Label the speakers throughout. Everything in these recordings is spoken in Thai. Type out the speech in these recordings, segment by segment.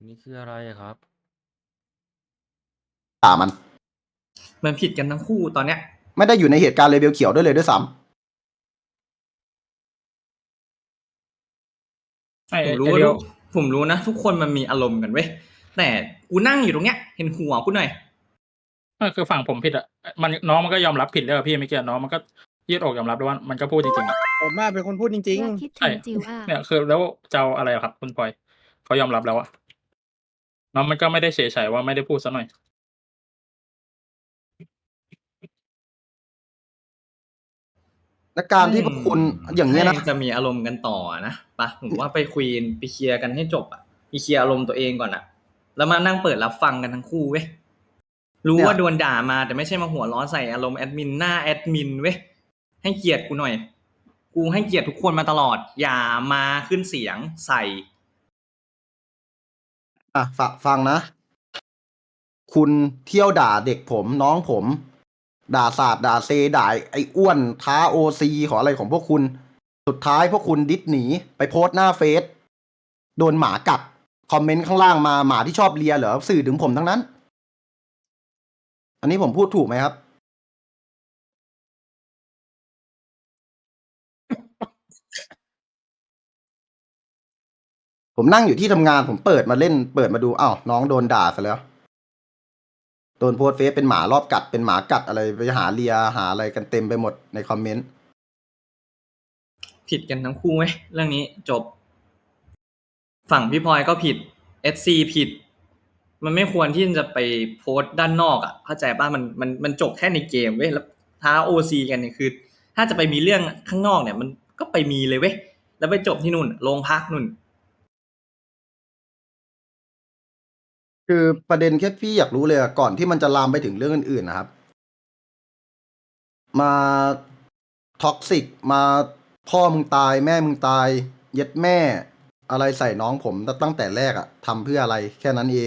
Speaker 1: นี่คืออะไรครับ
Speaker 2: ด่ามัน
Speaker 3: มันผิดกันทั้งคู่ตอนเนี้ย
Speaker 2: ไม่ได้อยู่ในเหตุการณ์เลเวลเขียวด้วยซ้ำ
Speaker 3: ผมรู้นะทุกคนมันมีอารมณ์กันเว้ยแต่กูนั่งอยู่ตรงเนี้ยเห็นหัวกูหน่อย
Speaker 4: คือฝั่งผมผิดอ่ะน้องมันก็ยอมรับผิดแล้วพี่ไม่เกี่ยวน้องมันก็ยืดอกยอมรับด้วยว่ามันก็พูดจริงๆอ่ะ
Speaker 5: ผมเป็นคนพูดจริง
Speaker 6: คิด
Speaker 4: ใช่
Speaker 6: ถึงจิวอ่ะ
Speaker 4: เนี่ยคือแล้วจะเอาอะไรอะครับคุณพลอยเขายอมรับแล้วอะน้องมันก็ไม่ได้เฉยๆว่าไม่ได้พูดซะหน่อย
Speaker 2: และการที่พวกคุณอย่างนี้ยนะ
Speaker 3: ให้จะมีอารมณ์กันต่อนะปะผมว่าไปคุยไปเคลียร์กันให้จบอ่ะไปเคลียร์อารมณ์ตัวเองก่อนอ่ะ แล้วมานั่งเปิดรับฟังกันทั้งคู่เว้ยรู้ว่าโดนด่ามาแต่ไม่ใช่มาหัวร้อนใส่อารมณ์แอดมินหน้าแอดมินเว้ยให้เกียรติกูหน่อย กูให้เกียรติทุกคนมาตลอดอย่ามาขึ้นเสียงใส่
Speaker 2: ฟังนะ คุณเที่ยวด่าเด็กผมน้องผม ด่าศาสตร์ด่าเซด่าไอ้อ้วนท้าโอซีขออะไรของพวกคุณ สุดท้ายพวกคุณดิสหนีไปโพสต์หน้าเฟซโดนหมากัดคอมเมนต์ข้างล่างมาหมาที่ชอบเลียเหรอสื่อถึงผมทั้งนั้น อันนี้ผมพูดถูกไหมครับ ผมนั่งอยู่ที่ทำงานผมเปิดมาเล่นเปิดมาดูอ้าวน้องโดนด่าซะแล้วโดนโพสต์เฟซเป็นหมารอบกัดเป็นหมากัดอะไรไปหาเลียหาอะไรกันเต็มไปหมดในคอมเมนต์
Speaker 3: ผิดกันทั้งคู่เว้ยเรื่องนี้จบ ฝั่งพี่พลอยก็ผิด SC ผิด มันไม่ควรที่จะไปโพสต์ด้านนอกอ่ะเข้าใจป่ะมันจบแค่ในเกมเว้ยแล้วท้า OC กันเนี่ยคือ ถ้าจะไปมีเรื่องข้างนอกเนี่ย มันก็ไปมีเลยเว้ยแล้วไปจบที่นู่นโรงพักนู่น
Speaker 2: คือประเด็นแค่พี่อยากรู้เลยอะก่อนที่มันจะลามไปถึงเรื่องอื่นๆนะครับ มาท็อกซิกมาพ่อมึงตายแม่มึงตายเย็ดแม่ อะไรใส่น้องผมตั้งแต่แรกอะทำเพื่ออะไรแค่นั้นเอง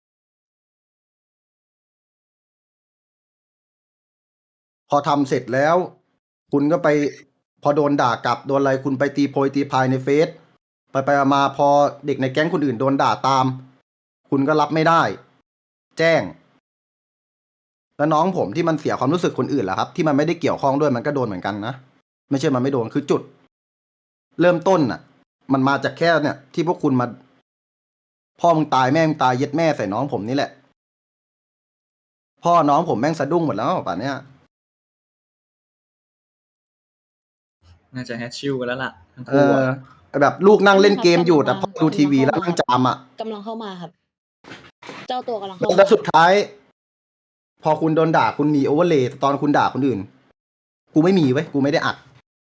Speaker 2: พอทำเสร็จแล้ว คุณก็ไปพอโดนด่ากลับโดนอะไรคุณไปตีโพยตีพายในเฟซไปมาพอเด็กในแก๊งคนอื่นโดนด่าตาม คุณก็รับไม่ได้ แจ้ง แล้วน้องผมที่มันเสียความรู้สึกคนอื่นล่ะครับ ที่มันไม่ได้เกี่ยวข้องด้วยมันก็โดนเหมือนกันนะไม่ใช่มันไม่โดนคือจุด เริ่มต้นน่ะ มันมาจากแค่เนี่ย ที่พวกคุณมา พ่อมึงตายแม่มึงตายเย็ดแม่ใส่น้องผมนี่แหละ พ่อน้องผมแม่งสะดุ้งหมดแล้วป่านเนี้ย
Speaker 3: น่าจะแฮชชิลกันแล้วล่ะทั้ง
Speaker 2: เอ
Speaker 3: คู่
Speaker 2: อ
Speaker 3: อะ
Speaker 2: แบบลูกนั่งเล่นเกมอยู่แต่พ่อดูทีวีแล้วนั่งจามอ่ะ
Speaker 7: กำลังเข้ามาครับ เจ้าตัวกำลังเข้า
Speaker 2: แล้ว
Speaker 7: มา
Speaker 2: สุดท้าย พอคุณโดนด่าคุณมีโอเวอร์เลย์ตอนคุณด่าคนอื่น กูไม่มีเว้ยกูไม่ได้อัด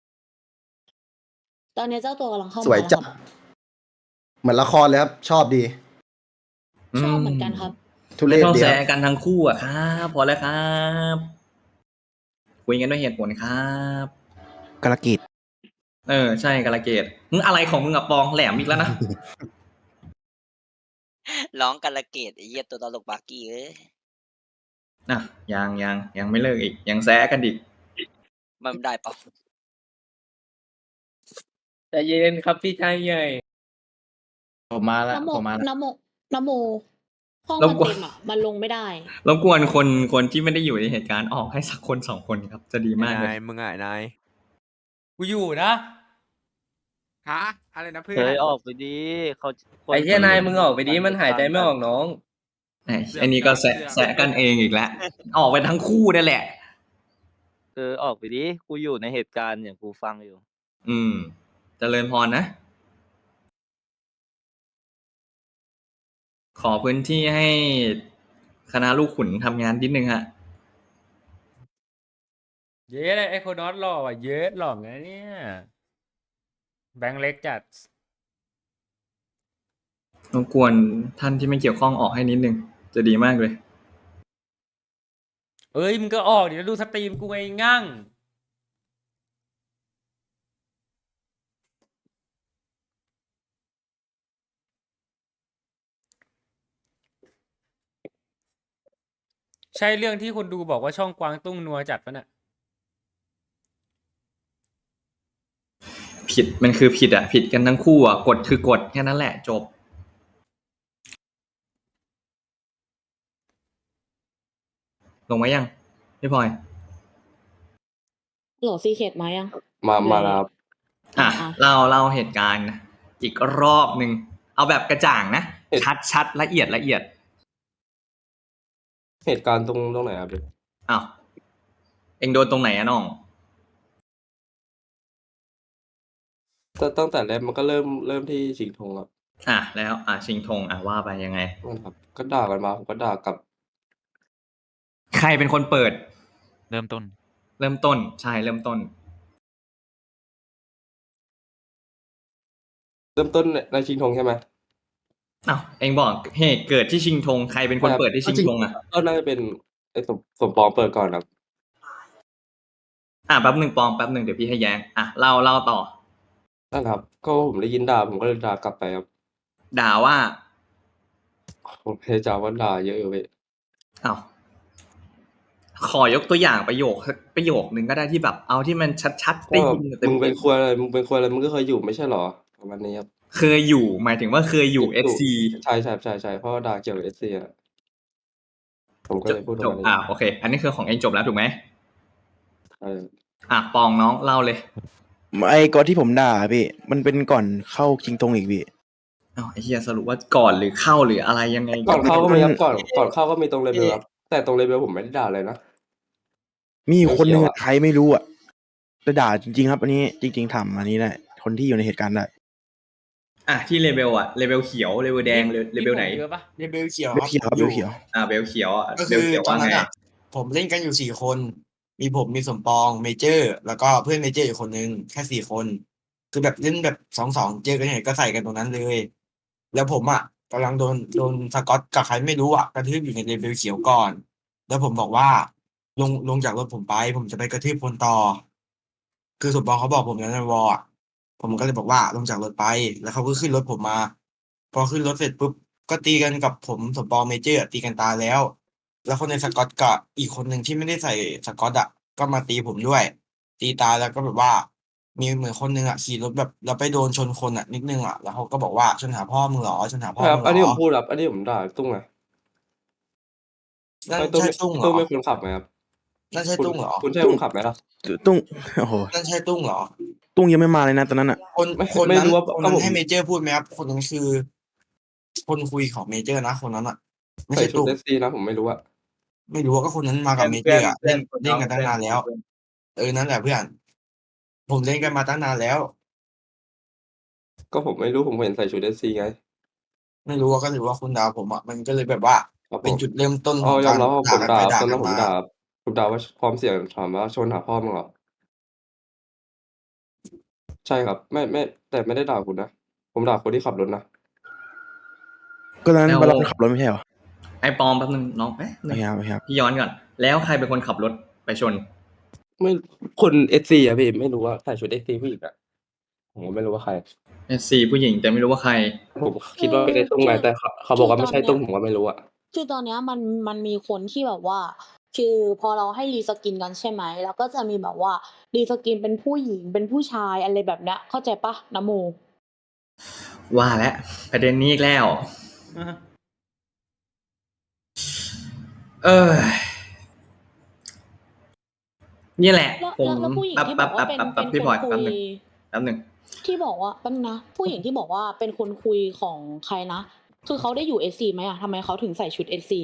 Speaker 7: ตอนนี้เจ้าตัวกำลังเข้ามา
Speaker 2: สวยจัด
Speaker 7: แล้วครับ
Speaker 2: เหมือนละครเลยครับ ชอบดี
Speaker 7: ชอบเหมือนกันครับ
Speaker 2: ทุเร
Speaker 3: ไม่
Speaker 2: ศ
Speaker 3: ต้อง
Speaker 2: ดี
Speaker 3: แซ
Speaker 2: ครับ
Speaker 3: กันทั้งคู่อะครับพอแล้วครับคุยกันด้วยเหตุผลครับ
Speaker 5: กระกิด
Speaker 3: ใช่กาลเกตมึงอะไรของมึงอะปองแหลมอีกแล้วนะ
Speaker 8: ร้องกาลเกตไอ้เหี้ยตัวตลกบากี้เอ้ย
Speaker 3: อ่ะยังไม่เลิกอีกยังแซะกันอีก
Speaker 8: มันได้ปะ
Speaker 1: ใจเย็นครับพี่ชายใหญ่ ผมมาแล้ว
Speaker 7: น้ำโม
Speaker 1: ผมมาแล้ว
Speaker 7: น้ำโมห้อง
Speaker 3: ร
Speaker 7: มั
Speaker 3: บ
Speaker 7: น
Speaker 3: กวน
Speaker 7: เต็มอ่ะ มันลงไม่ได้
Speaker 3: รบกวนคนที่ไม่ได้อยู่ในเหตุการณ์ออกให้สักคนสองคนครับ จะดีมากเลย
Speaker 5: นายมึงนาย
Speaker 1: กูอยู่นะ
Speaker 5: ฮะอะไรนะเพื่อน
Speaker 9: เฮ้ยออกไปดีเขา
Speaker 1: ไอ้เหี้ยนายมึงออกไปดิมันหายใจไม่ออกน้อง
Speaker 3: อันนี้ก็แซะกันเองอีกแล้ว ออกไปทั้งคู่นั่นแหละ
Speaker 9: ออกไปดิกูอยู่ในเหตุการณ์อย่างกูฟังอยู่
Speaker 3: เจริญพรนะ ขอพื้นที่ให้คณะลูกขุนทำงานนิดนึงฮะ
Speaker 1: เย้ไอ้โคนอสหล่อว่ะเยอะหล่อนะเนี่ยแบงค์เล็กจัด
Speaker 3: รบกวนท่านที่ไม่เกี่ยวข้องออกให้นิดนึง จะดีมากเลย
Speaker 1: เอ้ยมึงก็ออกเดี๋ยวดูสตรีมกูไงงั่งใช่เรื่องที่คนดูบอกว่าช่องกวางตุ้งนัวจัดปะน่ะ
Speaker 3: ผิดมันคือผิดอ่ะ ผิดกันทั้งคู่อ่ะกฎคือกฎแค่นั้นแหละจบลงมายังพี่พลอย
Speaker 7: โหลซีเคทมายัง
Speaker 5: มาแล้วครับ
Speaker 3: อ่ะ
Speaker 7: อ่ะ
Speaker 3: เล่าเหตุการณ์อีกรอบหนึ่งเอาแบบกระจ่างนะ ชัดละเอียด
Speaker 5: เหตุการณ์ตรงไหนครับพี่
Speaker 3: อ้าวเอ็งโดนตรงไหนอะน้อง
Speaker 5: ตั้งแต่แรกมันก็เริ่มที่ชิงธงครับ
Speaker 3: แล้วชิงธงว่าไปยังไง
Speaker 5: นั่นครับ ก็ด่ากันมาผมก็ด่ากลับ
Speaker 3: ใครเป็นคนเปิด
Speaker 6: เริ่มต้น
Speaker 3: เริ่มต้นใช่เริ่มต้น
Speaker 5: เริ่มต้นในชิงธงใช่ไหม
Speaker 3: อ้าวเอ็งบอกเหตุเกิดที่ชิงธงใครเป็นคนเปิดที่ชิงธงอ่ะ
Speaker 5: ก็น่าจะเป็นไอ้สมปองเปิดก่อนครับ
Speaker 3: แป๊บหนึ่งปองแป๊บหนึ่งเดี๋ยวพี่ให้แย้งเล่าต่อ
Speaker 5: นั่นครับ ก็ผมได้ยินด่าผมก็เลยด่ากลับไปครับ
Speaker 3: ด่าว่า
Speaker 5: ผมพยายามว่าด่าเยอะอยู่พี่
Speaker 3: อ้าวขอยกตัวอย่างประโยคนึงก็ได้ที่แบบเอาที่มันชัดๆได้
Speaker 5: ก็
Speaker 3: ยินเต็
Speaker 5: มึงเป็น
Speaker 3: ม
Speaker 5: ควยอะไรมึงเป็นควยอะไรมึงก็เคยอยู่ไม่ใช่หรอประมาณนี้ครับ
Speaker 3: ๆเคยอยู่หมายถึงว่าเคยอยู่ SC
Speaker 5: ใช่เพราะว่าด่าเกี่ยวกับ SC อ่ะผมก็เลยพูดประ
Speaker 3: จ
Speaker 5: มา
Speaker 3: บ
Speaker 5: ณนี้
Speaker 3: โอเค อันนี้คือของเอ็งจบแล้วถูกไหม
Speaker 5: ใช่
Speaker 3: ปองน้องเล่าเลย
Speaker 10: ไอ้ก่อนที่ผมด่าพี่มันเป็นก่อนเข้าชิงธงอีกพี่
Speaker 3: อ้าวไอ้เหี้ยสรุปว่าก่อนหรือเข้าหรืออะไรยังไง
Speaker 5: ก่อนเข้าก็มีครับก่อนเข้าก็มีตรงเลเวลครับแต่ตรงเลเวลผมไม่ได้ด่าเลยนะ
Speaker 10: มีคนหนึ่ง
Speaker 5: เขียวอะ
Speaker 10: ใครไม่รู้อ่ะจะด่าจริงๆครับ อันนี้จริงๆทำอันนี้ได้คนที่อยู่ในเหตุการณ์ได้
Speaker 3: ที่เลเวลเลเวลเขียวเลเวลแดงเลเวลไหน
Speaker 1: เยอะปะ
Speaker 11: เบลเขียว
Speaker 10: เบลเขียวครับเบลเขียว
Speaker 3: เบลเขียว
Speaker 11: ก็
Speaker 3: เบ
Speaker 11: คื
Speaker 3: ล
Speaker 11: อ
Speaker 3: เขียว
Speaker 11: ตอน
Speaker 3: ว่า
Speaker 11: นั้
Speaker 3: ไง
Speaker 11: นอ่ะผมเล่นกันอยู่4 คน มีผมมีสมปองเมเจอร์ แล้วก็เพื่อนเมเจอร์อีกคนนึงแค่4 คน คือแบบเล่นแบบ2-2เจอกันไหนก็ใส่กันตรงนั้นเลย แล้วผมอ่ะกำลังโดนสกอตกับใครไม่รู้อ่ะกระทืบอยู่ในเบลเขียวก่อน แล้วผมบอกว่าลงจากรถผมไป ผมจะไปกระทืบคนต่อ คือสมปองเขาบอกผมในวอลอะผมก็เลยบอกว่าลงจากรถไป แล้วเขาก็ขึ้นรถผมมา พอขึ้นรถเสร็จปุ๊บก็ตีกันกับผมสมปองเมเจอร์ตีกันตายแล้ว แล้วคนในสกอตกับอีกคนหนึ่งที่ไม่ได้ใส่สกอตอ่ะก็มาตีผมด้วย ตีตายแล้วก็แบบว่า มีเหมือนคนหนึ่งอ่ะขี่รถแบบแล้วไปโดนชนคนอ่ะนิดนึงอ่ะแล้วเขาก็บอกว่าชนหาพ่อมึงเหรอชนหาพ่อ
Speaker 5: ครับ
Speaker 11: มึง
Speaker 5: อัน
Speaker 11: เห
Speaker 5: นี้
Speaker 11: ร
Speaker 5: ผ
Speaker 11: อ
Speaker 5: มพูดครับอันนี้ผมด่าตุ้งไง
Speaker 11: นั่น
Speaker 5: ไอ้ตุ้ง
Speaker 11: ใช่ตุ้งเหร
Speaker 5: ตุ้
Speaker 11: อง
Speaker 5: เป็นคนขับไหมครับ
Speaker 11: นั่นใช่ตุ้งเหรอ
Speaker 5: คุณใช่คนขับไหมล่ะ
Speaker 10: ตุ้งโอ้โห
Speaker 11: นั่นใช่ตุ้งเหรอ
Speaker 10: ตุ้งยังไม่มาเลยนะตอนนั้นอ่ะ
Speaker 11: คน
Speaker 5: ไม่
Speaker 11: นั้น
Speaker 5: รู้ว่า
Speaker 11: คน
Speaker 5: ก็
Speaker 11: นั้น
Speaker 5: ผม
Speaker 11: ให้เมเจอร์พูดไหมครับคนนั้นคือ คนคุยของเมเจอร์นะคนนั้นอ่ะ ไม่
Speaker 5: ใส่
Speaker 11: ใช่
Speaker 5: ชุด
Speaker 11: ตุ้ง
Speaker 5: SC นะผมไม่รู้อะ
Speaker 11: ไม่รู้ว่าก็คนนั้นมากับเมเจอร์อะ
Speaker 3: เพื่
Speaker 11: เล่
Speaker 3: อน
Speaker 11: นกันตั้งนานแล้ว นั่นแหละเพื่อน ผมเล่นกันมาตั้งนานแล้ว
Speaker 5: ก็ผมไม่รู้ผมเห็นใส่ชุด SC ไง
Speaker 11: ไม่รู้ว่าก็หรือว่าคุณดาวผมอ่ะมันก็เลยแบบว่า
Speaker 5: ครับผ
Speaker 11: เป็น
Speaker 5: ม
Speaker 11: จุดเริ่มต้น
Speaker 5: อ๋
Speaker 11: ข
Speaker 5: อ
Speaker 11: อง
Speaker 5: ยอ
Speaker 11: กาม ร
Speaker 5: รับว่าผ
Speaker 11: ด่าม กัน
Speaker 5: ด่า
Speaker 11: ไป
Speaker 5: ครับ
Speaker 11: ด่า
Speaker 5: ตอน
Speaker 11: กั
Speaker 5: นั้น นผม
Speaker 11: มา
Speaker 5: ด่าว่าพร้อมเสียงถามว่าชนหาพ่อมึงเหรอใช่ครับไม่แต่ไม่ได้ด่าคุณนะผมด่าคนที่ขับรถนะ
Speaker 10: ก็ตอนนั้น
Speaker 3: แล้ว
Speaker 10: บาลอนขับรถไม่ใช่เหรอ
Speaker 3: ไอ้ปอมแป๊บนึงน้องหนึ่ง
Speaker 10: ไม่ครับ
Speaker 3: พี่ย้อนก่อน แล้วใครเป็นคนขับรถไปชน
Speaker 5: ไม่คน SC อะพี่ไม่รู้ว่าใส่ชุด SC ผู้หญิงอะผมก็ไม่รู้ว่าใคร
Speaker 3: SC ผู้หญิงแต่ไม่รู้ว่าใคร
Speaker 5: ผมคิดว่าเป็นไอ้ตุ้งไงแต่เขาบอกว่าไม่ใช่ตุ้งผมก็ไม่รู้อะ
Speaker 7: คือตอนเนี้ยมันมีคนที่แบบว่า คือพอเราให้รีสกินกันใช่ไหมแล้วก็จะมีแบบว่ารีสกินเป็นผู้หญิงเป็นผู้ชายอะไรแบบเนี้ยเข้าใจปะนะโม
Speaker 3: ว่าแล้วประเด็นนี้อีกแล้ว นี่แหละ
Speaker 7: แล้ว
Speaker 3: ผม
Speaker 7: แล้วผู้หญิงที่บอกว่าเป็น
Speaker 3: พี่
Speaker 7: ค
Speaker 3: พลอย
Speaker 7: นคุ
Speaker 3: แป๊บ
Speaker 7: ย
Speaker 3: หนึ่งแป๊บหนึ่ง
Speaker 7: ที่บอกว่าแป๊บนึงนะผู้หญิงที่บอกว่าเป็นคนคุยของใครนะ คือเขาได้อยู่ SC ไหมอะทำไมเขาถึงใส่ชุด SC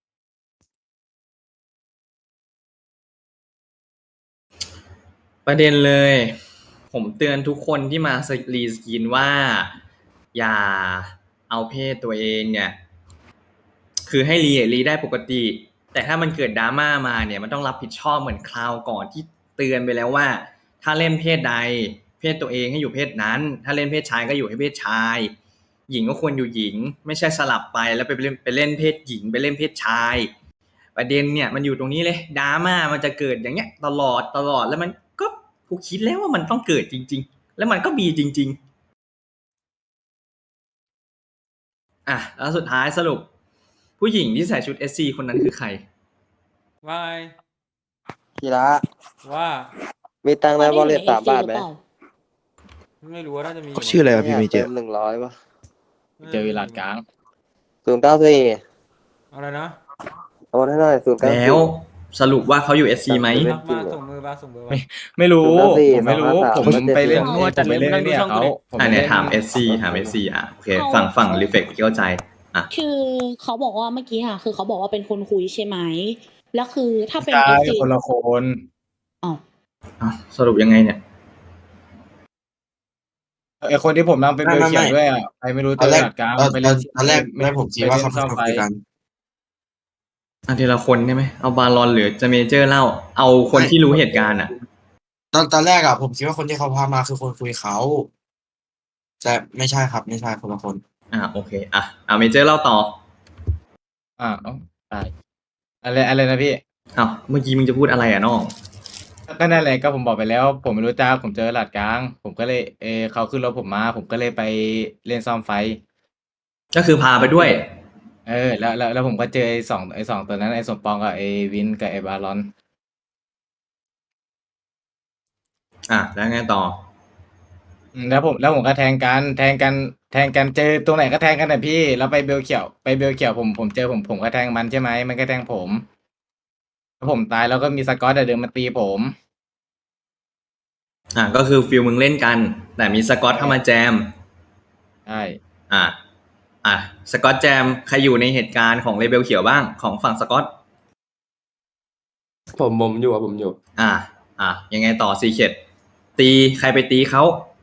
Speaker 3: ประเด็นเลย ผมเตือนทุกคนที่มารีสกินว่า อย่าเอาเพศตัวเองเนี่ย คือให้รีได้ปกติ แต่ถ้ามันเกิดดราม่ามาเนี่ยมันต้องรับผิดชอบเหมือนคราวก่อนที่เตือนไปแล้วว่า ถ้าเล่นเพศใด เพศตัวเองให้อยู่เพศนั้น ถ้าเล่นเพศชายก็อยู่ให้เพศชาย หญิงก็ควรอยู่หญิง ไม่ใช่สลับไปแล้วไปเล่นเพศหญิงไปเล่นเพศชาย ประเด็นเนี่ยมันอยู่ตรงนี้เลยดราม่ามันจะเกิดอย่างเงี้ยตลอดแล้วมันก็กูคิดแล้วว่ามันต้องเกิดจริงๆแล้วมันก็มีจริงๆแล้วสุดท้ายสรุป ผู้หญิงที่ใส่ชุด SC คนนั้นคือใคร
Speaker 1: วาย
Speaker 9: กีฬา
Speaker 1: ว่า
Speaker 9: มีตังค์ใน
Speaker 7: เขา
Speaker 9: บอล
Speaker 7: ได้
Speaker 9: เล
Speaker 7: อยู่
Speaker 9: ต
Speaker 7: ใน
Speaker 9: 3
Speaker 7: SC
Speaker 9: บาท
Speaker 7: หรือ
Speaker 9: ไหม
Speaker 7: เปล่า
Speaker 1: ไม่รู้ว่าน่าจะมี
Speaker 10: เขาชื่ออะไรวะพี่เมเจอ
Speaker 9: เติ
Speaker 10: ร์
Speaker 9: ม100ป่ะ
Speaker 6: เจอวิลาดกลาง
Speaker 9: 094
Speaker 1: อะไรนะ
Speaker 5: โอนให้หน่อย094
Speaker 3: แล้วสรุปว่าเขาอยู่ SC ไหม
Speaker 1: มาส่งมือมาส่งมือมา
Speaker 9: ไม่รู้
Speaker 5: 094
Speaker 9: ผมไม่รู้
Speaker 5: 253
Speaker 9: ผมไปเล่น
Speaker 7: 257
Speaker 9: ผมไปเล่นเนี่ยเขาผม
Speaker 3: อ่ะ
Speaker 9: ไป
Speaker 3: เนี่ย
Speaker 9: เล่น
Speaker 3: ถาม SC ถาม SC อ่ะโอเคฝั่งรีเฟกเข้าใจอ่ะ
Speaker 7: คือเขาบอกว่าเมื่อกี้ค่ะคือเขาบอกว่าเป็นคนคุยใช่ไหมแล้วคือถ้าเป็น
Speaker 9: ใช่
Speaker 7: FC
Speaker 9: คนละคน
Speaker 7: อ๋อ
Speaker 3: อ้าวสรุปยังไงเนี่ย
Speaker 9: ไอคนที่ผมนั่งเป็นเบลเขียวด้วยอ่ะใครไม่รู้
Speaker 11: ตอนแรก
Speaker 9: ตลาดกลาง
Speaker 11: ตอน
Speaker 9: ไปเล่น
Speaker 11: ตอนแรกผมคิดว่าเขา
Speaker 9: ซ่อมไฟ
Speaker 11: คุยกัน
Speaker 3: อ่ะทีละคนใช่ไหมเอาบาลอนหรือจะเมเจอร์เล่าเอาคนที่รู้เหตุการณ์อ่ะ
Speaker 11: ตอนแรกผมคิดว่าคนที่เขาพามาคือคนคุยเขาแต่ไม่ใช่ครับ ไม่ใช่คนละคน
Speaker 3: โอเคเมเจอร์เล่าต่อ
Speaker 9: เอ้าตายอะไรนะพี่
Speaker 3: เมื่อกี้มึงจะพูดอะไรอ่ะน้อง
Speaker 9: ก็นั่นแหละก็ผมบอกไปแล้ว ผมไม่รู้จักผมเจอหลาดกลาง ผมก็เลยเขาขึ้นรถผมมา ผมก็เลยไปเล่นซ่อมไฟ
Speaker 3: ก็คือพาไปด้วย
Speaker 9: แล้วผมก็เจอไอ้สองตัวนั้นไอ้สมปองกับไอ้วินกับไอ้บารอน
Speaker 3: แล้วไงต่อ
Speaker 9: แล้วผมก็แทงกันเจอตรงไหนก็แทงกันนะพี่แล้วไปเบลเขียวผมเจอผมก็แทงมันใช่ไหมมันก็แทงผมแล้วผมตายแล้วก็มีสกอตเดินมาตีผม
Speaker 3: ก็คือฟิลมึงเล่นกัน แต่มีสกอตเข้ามาแจม
Speaker 9: ใช่
Speaker 3: สกอตแจมใครอยู่ในเหตุการณ์ของเลเบลเขียวบ้างของฝั่งสกอต
Speaker 5: ผมอยู่ครับผมอยู่
Speaker 3: ยังไงต่อซีเคดตีใครไปตีเขา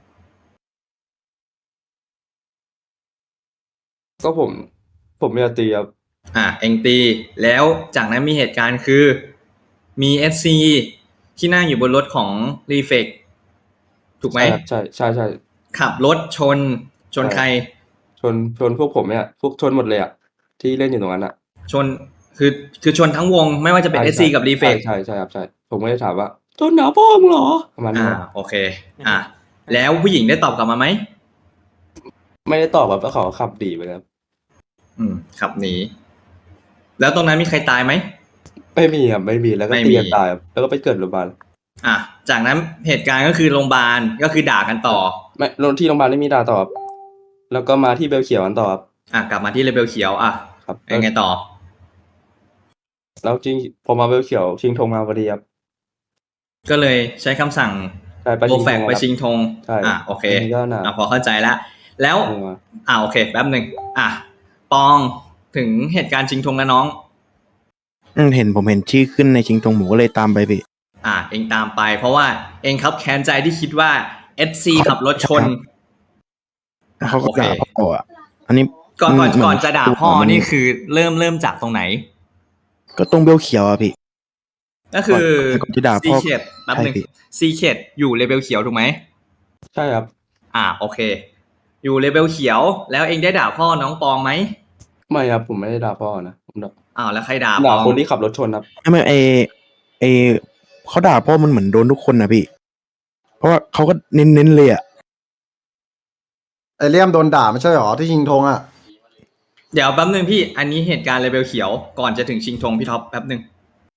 Speaker 5: ก็ผมไม่อยากตีครับ
Speaker 3: เองตีแล้วจากนั้นมีเหตุการณ์คือมี SC ที่นั่งอยู่บนรถของรีเฟกถูกไหม
Speaker 5: ใช่
Speaker 3: ขับรถชนใคร
Speaker 5: ชนพวกผมเนี่ยพวกชนหมดเลยอ่ะที่เล่นอยู่ตรงนั้นอ่ะ
Speaker 3: ชนคือชนทั้งวงไม่ว่าจะเป็น SC กับรีเฟก
Speaker 5: ใช่ครับใช่ผมไม่ได้ถามว่าชนหนาพ่อมึงเหรอประมาณนี้
Speaker 3: โอเคแล้วผู้หญิงได้ตอบกลับมาไหม
Speaker 5: ไม่ได้ตอบแบบว่าเขาขับดีไปแล้ว
Speaker 3: ขับหนีแล้วตรงนั้นมีใครตายไหม
Speaker 5: ไม่มีครับไม่มีแล้วก็
Speaker 3: ไม่มี
Speaker 5: ตีกันตายครับแล้วก็ไปเกิดโรงพยาบาล
Speaker 3: จากนั้นเหตุการณ์ก็คือโรงพยาบาลก็คือด่ากันต่อ
Speaker 5: ไม่ลงที่โรงพยาบาลไม่มีด่าต่อครับแล้วก็มาที่เบลเขียวกันต่อครับ
Speaker 3: กลับมาที่เลเบลเขียว
Speaker 5: ครับ
Speaker 3: ยังไงต่อ
Speaker 5: แล้วจริงพอมาเบลเขียวชิงธงมาพอดีครับ
Speaker 3: ก็เลยใช้คำสั่ง
Speaker 5: ใช่ไป
Speaker 3: โป
Speaker 5: ชิ
Speaker 3: รง แฟก
Speaker 5: ธง
Speaker 3: ไป
Speaker 5: ครับ
Speaker 3: ชิงธง
Speaker 5: ใช่
Speaker 3: โอเค
Speaker 5: อันนี้ก็น่ะ
Speaker 3: พอเข้าใจแล้ว
Speaker 5: ธงมา
Speaker 3: โอเคแป๊บหนึ่งปองถึงเหตุการณ์ชิงธงแล้วน้อง
Speaker 10: ผมเห็นชื่อขึ้นในชิงตงหมูก็เลยตามไปพี่
Speaker 3: เองตามไป เพราะว่าเองครับแค้นใจที่คิดว่า SC ขับรถชน
Speaker 10: เขาก็
Speaker 3: โอเค
Speaker 10: ด่าพ่ออ่ะ อันนี้
Speaker 3: ก่อน
Speaker 10: เหมื
Speaker 3: จะด่าพ่อ
Speaker 10: มัน
Speaker 3: นี่คือเริ่มจากตรงไหน
Speaker 10: ก็ตรงเบลเขียวอ่ะพี่
Speaker 3: ก็คือ
Speaker 10: ก่อนจะด่า
Speaker 3: ซี
Speaker 10: พ่อ
Speaker 3: เคดแป๊บหนึ่ง
Speaker 10: ใช่พี่
Speaker 3: ซีเคดอยู่เลเวลเขียวถูกไหม
Speaker 5: ใช่ครับ
Speaker 3: โอเค อยู่เลเวลเขียว แล้วเองได้ด่าพ่อน้องปองไหม
Speaker 5: ไม่ครับผมไม่ได้ด่าพ่อนะผมด่า
Speaker 3: แล้วใครด่าป
Speaker 5: ด่า
Speaker 3: อง
Speaker 5: คนที่ขับรถชนครับ
Speaker 10: ไม่เขาด่าพ่อมันเหมือนโดนทุกคนนะพี่ เพราะว่าเขาก็เน้นเลยอ่ะ
Speaker 2: ไอเลี่ยมโดนด่าไม่ใช่หรอที่ชิงธงอ่ะ
Speaker 3: เดี๋ยวแป๊บหนึ่งพี่ อันนี้เหตุการณ์เลเวลเขียวก่อนจะถึงชิงธงพี่ท็อปแป๊บหนึ่ง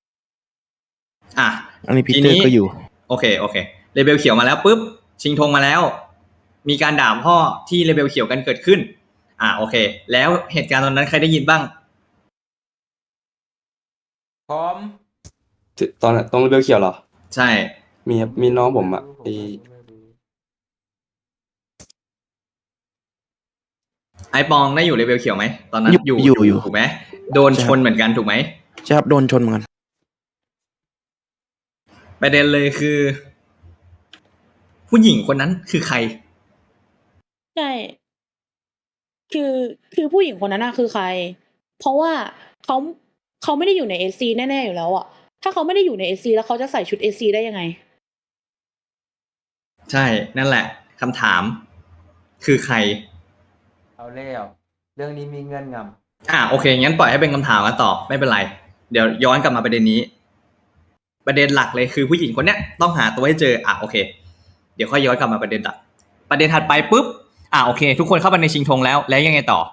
Speaker 10: อันนี้พี
Speaker 3: ที
Speaker 10: เตอ
Speaker 3: นี้
Speaker 10: ร์ก็อยู่
Speaker 3: โอเคเลเวลเขียวมาแล้วปุ๊บชิงธงมาแล้ว มีการด่าพ่อที่เลเวลเขียวกันเกิดขึ้นโอเค แล้วเหตุการณ์ตอนนั้นใครได้ยินบ้าง
Speaker 1: พร้อม
Speaker 5: ตอนตรงเบลเขียวเหรอ
Speaker 3: ใช่
Speaker 5: มีครับมีน้องผมอ่ะ
Speaker 3: ไอปองได้อยู่เลเวลเขียวไหมตอนนั้น
Speaker 10: อยู่
Speaker 3: อยู่ถูกไหมโดนชนเหมือนกันถูกไหม
Speaker 10: ใช่ครับโดนชนเหมือนกัน
Speaker 3: ประเด็นเลยคือ ผู้หญิงคนนั้นคือใคร
Speaker 7: ใช่คือผู้หญิงคนนั้นคือใคร เพราะว่าเขาไม่ได้อยู่ใน SC แน่ๆอยู่แล้วอ่ะถ้าเขาไม่ได้อยู่ใน SC แล้วเขาจะใส่ชุด SC ได้ยังไง
Speaker 3: ใช่นั่นแหละคำถาม คือใคร
Speaker 1: เอาแล้วเรื่องนี้มีเงื่อนงำ
Speaker 3: โอเคงั้นปล่อยให้เป็นคำถามกันต่อไม่เป็นไรเดี๋ยวย้อนกลับมาประเด็นนี้ ประเด็นหลักเลยคือผู้หญิงคนเนี้ยต้องหาตัวให้เจอโอเคเดี๋ยวค่อยย้อนกลับมาประเด็นหลักประเด็นถัดไปปุ๊บโอเค ทุกคนเข้าไปในชิงธงแล้วยังไงต่อ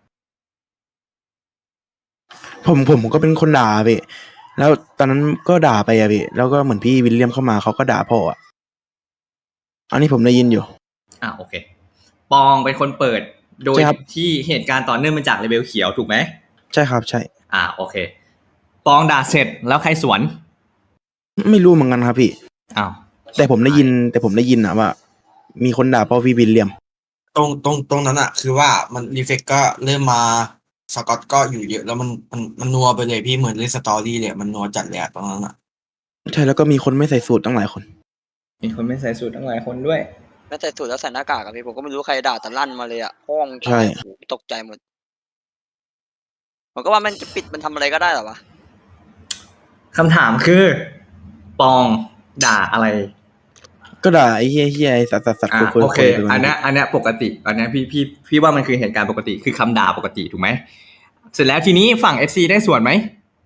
Speaker 10: ผมก็เป็นคนด่าพี่ แล้วตอนนั้นก็ด่าไปอะพี่ แล้วก็เหมือนพี่วิลเลียมเข้ามาเขาก็ด่าพ่ออ่ะ อันนี้ผมได้ยินอยู่
Speaker 3: โอเคปองเป็นคนเปิดโดย
Speaker 10: ใช่ครับ
Speaker 3: ที่เหตุการณ์ต่อเนื่องมาจากเลเวลเขียวถูกไหม
Speaker 10: ใช่ครับใช่
Speaker 3: โอเคปองด่าเสร็จแล้วใครสวน
Speaker 10: ไม่รู้เหมือนกันครับพี่
Speaker 3: อ้าว
Speaker 10: แต่ผมได้ยินนะว่า มีคนด่าพ่อพี่วิลเลียม
Speaker 11: ตรงนั้นอะคือว่ามันรีเฟกก็เริ่มมาสกอตก็อยู่เยอะแล้วมันนัวไปเลยพี่เหมือนเล่นสตอรี่เลยมันนัวจัดเลยอะตรงนั้นอะ
Speaker 10: ใช่แล้วก็มีคนไม่ใส่สูตรตั้งหลายคน
Speaker 3: มีคนไม่ใส่สูตรทั้งหลายคนด้วย
Speaker 8: แม้แต่สูตรแล้วใส่หน้ากากอะพี่ผมก็ไม่รู้ใครด่าแต่ลั่นมาเลยอะห้อง
Speaker 10: ใช่
Speaker 8: โอ้โหตกใจหมดผมก็ว่ามันจะปิดมันทำอะไรก็ได้เหรอวะ
Speaker 3: คำถามคือ ปองด่าอะไร
Speaker 10: ก็ด่าไอ้เฮียไอ้สัตว์คุย
Speaker 3: โอเค
Speaker 10: ไป
Speaker 3: อันเนี้ยปกติ อันเนี้ยพี่ว่ามันคือเหตุการณ์ปกติ คือคำด่าปกติถูกไหม เสร็จแล้วทีนี้ฝั่ง FC ได้ส่วนไหม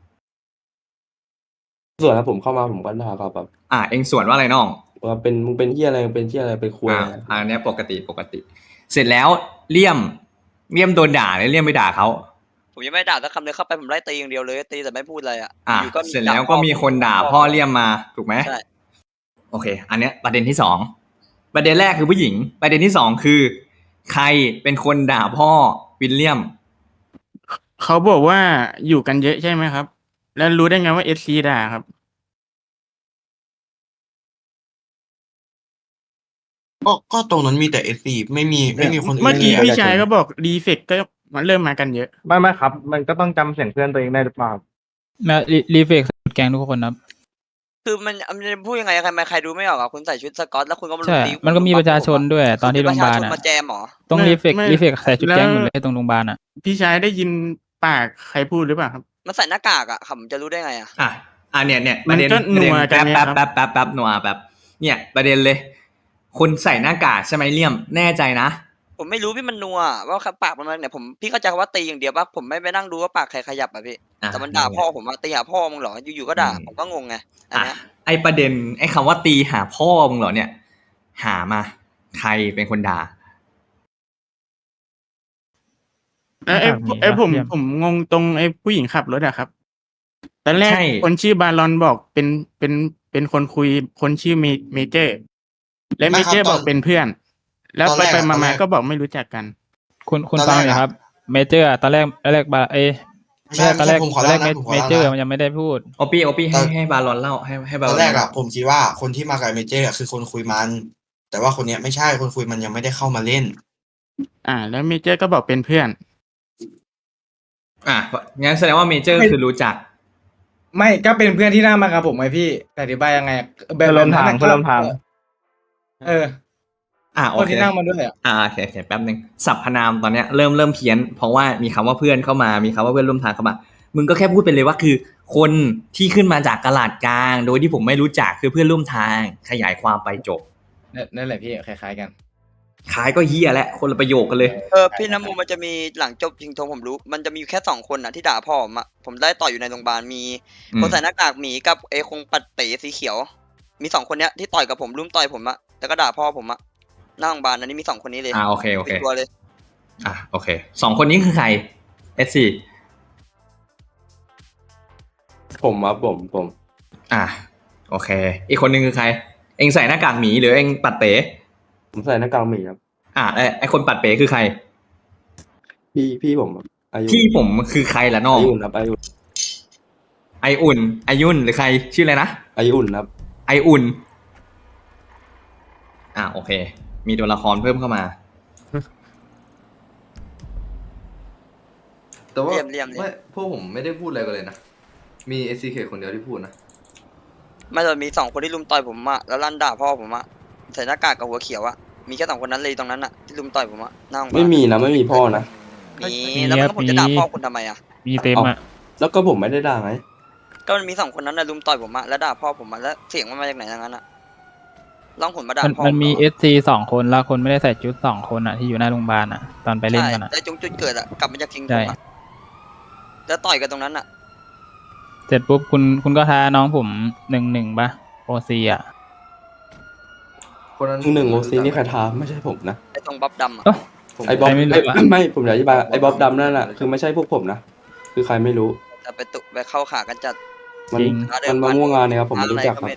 Speaker 5: ส่วนแล้วผมเข้ามาผมก็ด่าเขาแบบ
Speaker 3: เองส่วนว่าอะไรน้อง
Speaker 5: ว่ามึงเป็นเฮียอะไรมึงเป็นเฮียอะไรเป็นคุยอะไร
Speaker 3: อันเนี้ยปกติ เสร็จแล้วเลี่ยมโดนด่าเลยเลี่ยมไปด่าเขา
Speaker 8: ผมยังไม่ด่าสักคำเลยเข้าไปผมไล่ตีอย่างเดียวเลยตีแต่ไม่พูดอะไรอะ อยู่ก็มี
Speaker 3: เสร็จแล้วก็มีคนด่าพ่อเลี่ยมมาถูกไหม
Speaker 8: ใช่
Speaker 3: โอเค อันเนี้ยประเด็นที่สอง ประเด็นแรกคือผู้หญิง ประเด็นที่สองคือ ใครเป็นคนด่าพ่อวิลเลียม
Speaker 4: เขาบอกว่าอยู่กันเยอะใช่ไหมครับ แล้วรู้ได้ไงว่า SC ด่าครับ
Speaker 11: ก็ตรงนั้นมีแต่เอซีไม่มีคนอื่น
Speaker 4: เมื่อกี้
Speaker 11: ลยะ
Speaker 4: พี่ชายก็บอกรีเฟกก็มันเริ่มมากันเยอะ
Speaker 6: ไม่ครับ มันก็ต้องจำเสียงเพื่อนตัวเองได้หรือเปล่า
Speaker 12: มารีเฟกแกงทุกคนครับ
Speaker 8: คือมันจะพูดยังไงใครดูไม่ออกอะคุณใส่ชุดสกอตแล้วคุณก็มาลุ
Speaker 12: ใช่
Speaker 8: มตี
Speaker 12: มันก็มีประชาชนด้วยตอนที่โรงพยาบาล
Speaker 8: ประชชน
Speaker 12: อ่ะ
Speaker 8: มาแจมเหรอ
Speaker 12: ต้อง
Speaker 4: ไม่
Speaker 12: รีเฟกใส่ชุดแกงหมด
Speaker 4: แล้ว
Speaker 12: เลยตรงโรงพยาบาลอ่ะ
Speaker 4: พี่ชายได้ยินปากใครพูดหรือเปล่าครับ
Speaker 8: มันใส่หน้ากากอะผมจะรู้ได้ไงอะ
Speaker 3: เนี่ย
Speaker 4: มันก็นัวกันไงครับ
Speaker 3: แป๊บนัวแป๊บเนี่ยประเด็นเลย คนใส่หน้ากากใช่ไหมเลี่ยมแน่ใจนะ
Speaker 8: ผมไม่รู้พี่มันนัวว่าปากมันมาเนี่ยพี่เข้าใจว่าตีอย่างเดียวป่ะผมไม่ไปนั่งดูว่าปากใครขยับอะพี่แต่มันด่าพ่อผมอะตีหาพ่อมึงเหรออยู่ๆก็ด่าผมก็งงไงอันเนี้ย
Speaker 3: ไอประเด็นไอคำว่าตีหาพ่อมึงเหรอเนี่ย หามา ใครเป็นคนด่า
Speaker 4: ไอ้ผมงงตรงไอ้ผู้หญิงขับรถอะครับตอนแรก
Speaker 3: ใช่
Speaker 4: คนชื่อบารอนบอกเป็นคนคุยคนชื่อเมเจอร์ และเมเจอร์บอกเป็นเพื่อน แล้วไปมาก็บอกไม่รู้จักกัน
Speaker 12: คุณฟังเลยครับ เมเจอร์ตอนแรกบา
Speaker 11: ไม่ใช่
Speaker 12: ตอนแรก
Speaker 11: ผมขอเล่านะผมขอ
Speaker 12: เม
Speaker 11: เล่า
Speaker 12: เจอร์
Speaker 11: นะ
Speaker 12: มันยังไม่ได้พูด
Speaker 3: โอปี้ให้บาลอนเล่าให้บา
Speaker 11: ต
Speaker 3: ล
Speaker 11: อ
Speaker 3: อน น
Speaker 11: แรกอะผมคิดว่าคนที่มากับเมเจอร์อะคือคนคุยมัน แต่ว่าคนเนี้ยไม่ใช่คนคุยมันยังไม่ได้เข้ามาเล่น
Speaker 4: แล้วเมเจอร์ก็บอกเป็นเพื่อน
Speaker 3: งั้นแสดงว่าเมเจอร์คือรู้จัก
Speaker 9: ไม่ก็เป็นเพื่อนที่นั่งมากับผมไงพี่แต่อธิบายยังไง
Speaker 6: เพื่อนร่วมทาง
Speaker 9: นั้น
Speaker 6: เพื่อนร่วมทาง
Speaker 3: โอ
Speaker 9: คน
Speaker 3: เค
Speaker 9: ที่นั่งมาด้วยอะ
Speaker 3: โอเคแป๊บนึงสรรพนามตอนเนี้ยเริ่มเพี้ยน เพราะว่ามีคำว่าเพื่อนเข้ามามีคำว่าเพื่อนร่วมทางเข้ามา มึงก็แค่พูดไปเลยว่าคือ คนที่ขึ้นมาจากตลาดกลาง โดยที่ผมไม่รู้จักคือเพื่อนร่วมทางขยายความไปจบ
Speaker 9: นั่นแหละพี่คล้ายๆกัน
Speaker 3: ขายก็เฮียแหละคนละประโยคกันเลย
Speaker 8: พี่น้ำมูมันจะมีหลังจบจริงทงผมรู้ มันจะมีอยู่แค่2คนอะที่ด่าพ่อผมอะผมได้ต่ออยู่ในโรงพยาบาลมี
Speaker 3: อืม
Speaker 8: คนใส่หน้ากากหมีกับไอ้คงปัดเป๋สีเขียว มี2คนเนี้ยที่ต่อยกับผมรุมต่อยผมอะแล้วก็ด่าพ่อผมอะหน้าโรงพยาบาลอันนี้มี2คนนี้เลย
Speaker 3: โอเค
Speaker 8: เป็นตัวเลย
Speaker 3: โอเค2คนนี้คือใคร SC
Speaker 5: ผมครับผม
Speaker 3: โอเค อีกคนนึงคือใคร เองใส่หน้ากากหมีหรือเองปัดเป๋
Speaker 5: ผมใส่หน้ากากหมีครับ
Speaker 3: ไอคนปัดเป๋คือใคร
Speaker 5: พี่ผมครับอายุ
Speaker 3: ที่ผมคือใครล่ะน้อง
Speaker 5: อายุครับอายุ
Speaker 3: ไออุ่นไอยุ่นหรือใครชื่ออะไรนะ
Speaker 5: อายุครับ
Speaker 3: ไออุ่นโอเค มีตัวละครเพิ่มเข้ามา
Speaker 13: แต่ว่า
Speaker 8: เลี่ยม
Speaker 13: ไม่พวกผมไม่ได้พูดอะไรกันเลยนะ มี SCK คนเดียวที่พูดนะ
Speaker 8: ไม่แต่มี2คนที่รุมต่อยผมอะแล้วลั่นด่าพ่อผมอะใส่หน้ากากกับหัวเขียวอะมีแค่2คนนั้นเลยตรงนั้นอะที่รุมต่อยผมอะหน้าโรงพยาบาล
Speaker 5: ไม่มีนะไม่มีพ่อนะ
Speaker 8: มีแล้วมันก็ผมจะด่าพ่อคุณทำไมอะ
Speaker 12: มีเต็มอ่ะ
Speaker 5: แล้วก็ผมไม่ได้ด่าไง
Speaker 8: ก็มันมี2คนนั้นนะรุมต่อยผมอะแล้วด่าพ่อผมอะแล้วเสียงมันมาจากไหนอย่างนั้นอะลองผลมาด่าพ่อ
Speaker 12: มันมี
Speaker 8: ผเหรอ
Speaker 12: SC 2 คนแล้วคนไม่ได้ใส่ชุด2 คนอ่ะที่อยู่หน้าโรงพยาบาลอ่ะ ตอนไปเล่นกันอ่ะ
Speaker 8: ใช่แต่จุดเกิดอะกลับมาจากทิ้งผ
Speaker 12: ใช่
Speaker 8: มอะแล้วต่อยกันตรงนั้นอะ
Speaker 12: เสร็จปุ๊บคุณก็ท้าน้องผม1-1ป่ะโอซีอ่ะ
Speaker 13: คนนั้น
Speaker 5: หนึ่งโอซีนี่ใครทาไม่ใช่ผมนะ
Speaker 8: ไอ้ตรงบ๊อบดำอะ
Speaker 13: ผม
Speaker 5: ไอ้บ๊อบ
Speaker 12: ใครไม่รู้อะ
Speaker 5: ไม่ผมอยากอธิบายไอ้บ๊อบดำนั่นแหละคือไม่ใช่พวกผมนะคือใครไม่รู้
Speaker 8: แต่ไปเข้าขากันจัด
Speaker 5: มัน
Speaker 12: จริง
Speaker 5: มันมาม่วงงานเนี่ยครับผมไม่รู้จักครับ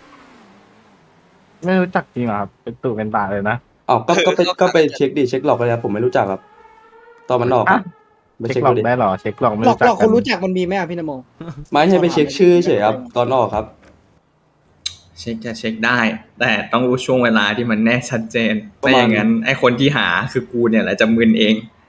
Speaker 6: ไม่รู้จักจริงเหรอครับ เป็นตู่เป็นตาเลยนะ
Speaker 5: ก็ไปเช็คหลอกไปแล้วผมไม่รู้จักครับ ตอนมันหลอก
Speaker 6: อ่ะ
Speaker 5: ไป
Speaker 6: เช็
Speaker 5: เช็
Speaker 6: ค
Speaker 5: ค
Speaker 6: หลอก
Speaker 5: ดูดิ
Speaker 6: ได้เหรอเช็คหลอกไม่
Speaker 14: หลอก
Speaker 6: รู้จัก
Speaker 14: หลอก
Speaker 6: กั
Speaker 14: คน นรู้จักมันมีไหมอ่ะพี่นโม
Speaker 5: ไม่ให้ไปเช็คชื่อเฉยครับตอนออกครับ
Speaker 3: เช็คจะเช็คได้ แต่ต้องรู้ช่วงเวลาที่มันแน่ชัดเจน
Speaker 5: ประ
Speaker 3: ไม่
Speaker 5: มาณ
Speaker 3: อย่างนั้นไอ้คนที่หาคือกูเนี่ยแหละจะมึนเอง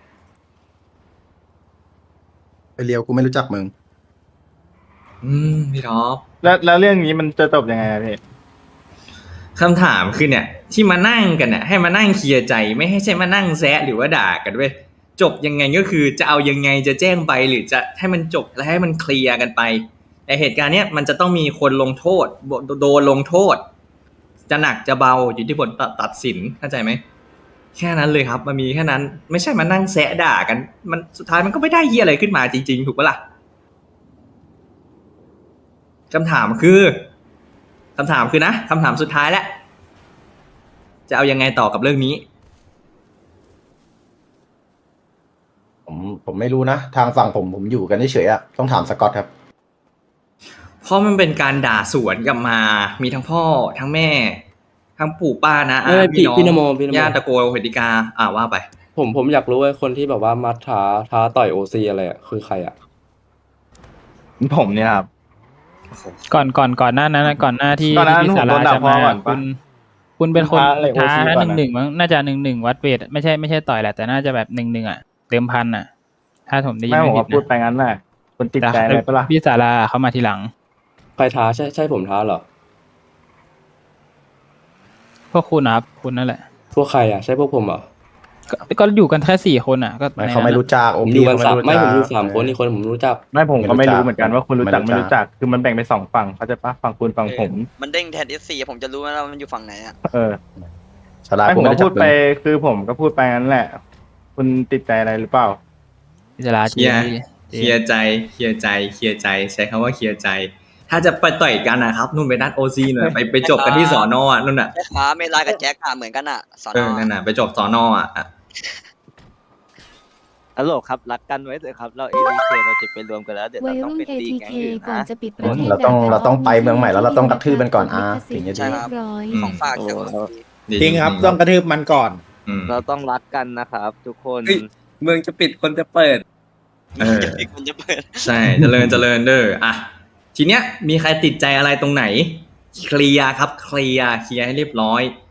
Speaker 2: ไปเรียวกูไม่รู้จักมึง
Speaker 3: พี่ท็อป
Speaker 6: แล้วเรื่องนี้มันจะจบยังไงอะพี่
Speaker 3: คำถามคือเนี่ย ที่มานั่งกันเนี่ยให้มานั่งเคลียร์ใจไม่ให้ใช่มานั่งแซะหรือว่าด่ากันเว้ยจบยังไงก็คือจะเอายังไงจะแจ้งไปหรือจะให้มันจบและให้มันเคลียร์กันไปแต่เหตุการณ์เนี้ยมันจะต้องมีคนลงโทษโดนลงโทษ จะหนักจะเบาอยู่ที่ผลตัดสินเข้าใจไหมแค่นั้นเลยครับมันมีแค่นั้นไม่ใช่มานั่งแซะด่ากันมันสุดท้ายมันก็ไม่ได้เหี้ยอะไรขึ้นมาจริงๆถูกปะล่ะคำถามคือนะคำถามสุดท้ายแล้วจะเอายังไงต่อกับเรื่องนี้
Speaker 2: ผมไม่รู้นะ ทางฝั่งผมอยู่กันเฉยๆอะต้องถามสกอตครับ
Speaker 3: เพราะมันเป็นการด่าสวนกลับมา มีทั้งพ่อทั้งแม่ ทั้งปู่ป้านะ
Speaker 5: ไม่พี่
Speaker 3: น้อง
Speaker 5: พี่นโมพี่นโม
Speaker 3: ญาติตะโกเหติกาว่าไป
Speaker 5: ผมอยากรู้ว่าคนที่แบบว่ามัดท้าต่อยโอซีอะไรอ่ะคือใครอ่ะ
Speaker 6: ผมเนี่ยครับ
Speaker 12: ก่อนหน้านั้นนะก่อนหน้าที่
Speaker 6: ก่อนหน้านั้น
Speaker 12: ที่
Speaker 6: ผม
Speaker 12: สา
Speaker 6: โด
Speaker 12: ราน
Speaker 6: ด่า
Speaker 12: จะ
Speaker 6: พ่อ
Speaker 12: มา
Speaker 6: ก่อนปะ
Speaker 12: คุณเป็นคน
Speaker 6: ท้าอะไร
Speaker 12: ท้า
Speaker 6: OC ก่อนอะ
Speaker 12: 1-1มั้งน่าจะ1-1วัดเวทไม่ใช่ต่อยแหละแต่น่าจะแบบ1-1อ่ะเติมพันอ่ะ ถ้าผมได้ยิน
Speaker 6: ไม่ผม
Speaker 12: ไม่
Speaker 6: ก็
Speaker 12: ผิ
Speaker 6: พู
Speaker 12: ด
Speaker 6: ดไปงั้นแหละคุณติด
Speaker 12: นะ
Speaker 6: ใจอะไรปะล่ะ
Speaker 12: พี่สาราเขามาทีหลัง
Speaker 5: ใครท้าใช่ผมท้าเหรอ
Speaker 12: พวกคุณนะครับคุณนั่นแหละ
Speaker 5: พวกใครอ่ะใช่พวกผมเหรอ
Speaker 12: ก็อยู่กันแค่4 คนอ่ะก็
Speaker 2: ไม่เขาไม่รู้จักโอ
Speaker 5: ผมอ
Speaker 2: พี
Speaker 5: ยู่กัน
Speaker 2: เขาไม่
Speaker 5: สาม
Speaker 2: รู้จัก
Speaker 5: ไม่ผมอยู่3 คนอีกคนผมรู้จัก
Speaker 6: ไม่ผมก็ไม่รู้เหมือนกันว่าคุณรู้จัก
Speaker 2: ไม่
Speaker 6: ไม่
Speaker 2: รู้
Speaker 6: รู้
Speaker 2: จั
Speaker 6: จั
Speaker 2: ก
Speaker 6: กคือมันแบ่งเป็น2ฝั่งเขาใจะปะฝั่งคุณฝั่งผม
Speaker 8: มันเด้งแทน S4 ผมจะรู้ไหมว่ามันอยู่ฝั่งไหนอ่ะ
Speaker 6: เออ
Speaker 2: สลา
Speaker 6: ไม่
Speaker 2: กู
Speaker 6: ผม
Speaker 2: ไม่
Speaker 6: ก็
Speaker 2: ได้จั
Speaker 6: พู
Speaker 2: บ
Speaker 6: ด
Speaker 2: มึ
Speaker 6: ไป
Speaker 2: ง
Speaker 6: คือผมก็พูดไปงั้นแหละ คุณติดใจอะไรหรือเปล่า
Speaker 12: พี่สารา
Speaker 3: เคลียร์เคลียร์ใจใช้คำว่าเคลียร์ใจ ถ้าจะไปต่อยกันนะครับนู่นไปนัดโอซีหน่อยไปจบกันที่สอนอ่ะนู่นน่ะ
Speaker 8: แม่ค้าเมลากับแจ็คอะเหมือนกันอะสอนอ
Speaker 3: นั่นน่ะไปจบสอนอ่ะ
Speaker 15: ฮัลโหลครับรักกันไว้เถอะครับเรา ADK เราจะไปรวมกันแล้วเดี๋ยว
Speaker 14: วั
Speaker 15: เรา
Speaker 14: ย
Speaker 15: ต้อง
Speaker 14: รุ่น
Speaker 15: ไปตีแก๊ง
Speaker 14: ATK
Speaker 15: อื่น
Speaker 14: ก่อน
Speaker 15: นะ
Speaker 14: จะปิดประเทศ
Speaker 2: เราต้องไปเมืองใหม่แล้วเราต้องกระทืบมันก่อนถึงจะ
Speaker 8: ใช่
Speaker 2: ดี
Speaker 8: ครับ
Speaker 14: ร้อย
Speaker 8: ของฝากจาก
Speaker 3: จริงครับต้องกระทืบมันก่อน
Speaker 15: เราต้องรักกันนะครับ ทุกคน
Speaker 5: เมืองจะปิดคนจะเปิด
Speaker 8: อีกคนจะเปิด
Speaker 3: ใช่เจริญเด้ออ่ะทีเนี้ยมีใครติดใจอะไรตรงไหนเคลียร์ครับเคลียร์ให้เรียบร้อย